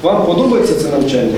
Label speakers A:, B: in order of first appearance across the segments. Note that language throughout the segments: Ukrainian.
A: Вам подобається це навчання?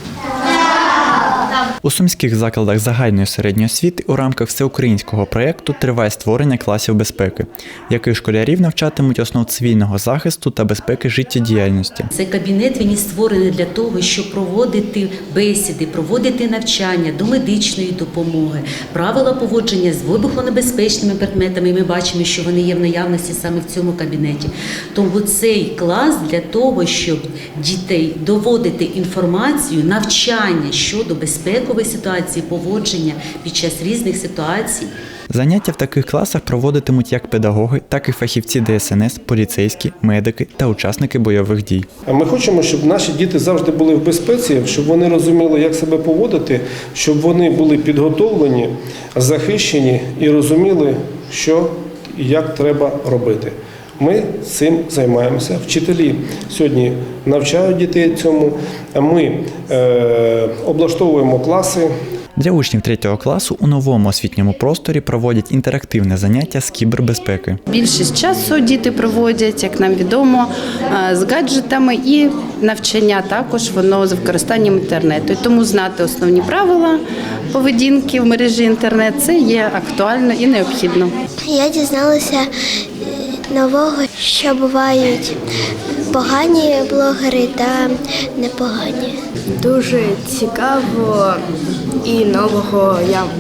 B: У сумських закладах загальної середньої освіти у рамках всеукраїнського проєкту триває створення класів безпеки, яких школярів навчатимуть основ цивільного захисту та безпеки життєдіяльності.
C: Цей кабінет він і створений для того, щоб проводити бесіди, проводити навчання до медичної допомоги, правила поводження з вибухонебезпечними предметами. Ми бачимо, що вони є в наявності саме в цьому кабінеті. Тому цей клас для того, щоб дітей доводити інформацію, навчання щодо безпекової ситуації, поводження під час різних ситуацій.
B: Заняття в таких класах проводитимуть як педагоги, так і фахівці ДСНС, поліцейські, медики та учасники бойових дій.
A: Ми хочемо, щоб наші діти завжди були в безпеці, щоб вони розуміли, як себе поводити, щоб вони були підготовлені, захищені і розуміли, що і як треба робити. Ми цим займаємося. Вчителі сьогодні навчають дітей цьому, ми облаштовуємо класи.
B: Для учнів 3 класу у новому освітньому просторі проводять інтерактивне заняття з кібербезпеки.
D: Більшість часу діти проводять, як нам відомо, з гаджетами і навчання також воно з використанням інтернету. І тому знати основні правила поведінки в мережі інтернет – це є актуально і необхідно.
E: Я дізналася нового, що бувають погані блогери та непогані.
F: Дуже цікаво і нового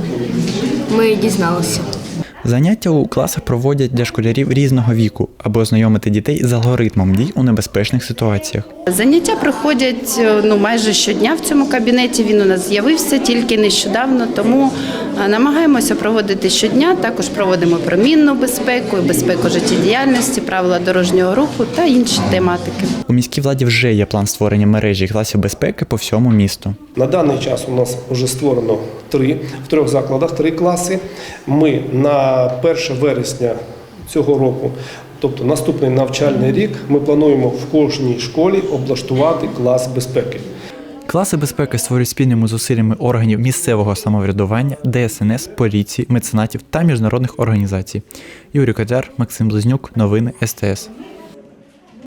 F: ми дізналися.
B: Заняття у класах проводять для школярів різного віку, аби ознайомити дітей з алгоритмом дій у небезпечних ситуаціях.
D: Заняття проходять майже щодня в цьому кабінеті. Він у нас з'явився тільки нещодавно, тому намагаємося проводити щодня. Також проводимо про мінну безпеку, безпеку життєдіяльності, правила дорожнього руху та інші тематики.
B: У міській владі вже є план створення мережі класів безпеки по всьому місту.
A: На даний час у нас вже створено в 3 закладах 3 класи. Ми на 1 вересня цього року, тобто наступний навчальний рік, ми плануємо в кожній школі облаштувати клас безпеки.
B: Класи безпеки створюють спільними зусиллями органів місцевого самоврядування, ДСНС, поліції, меценатів та міжнародних організацій. Юрій Кодяр, Максим Близнюк, новини СТС.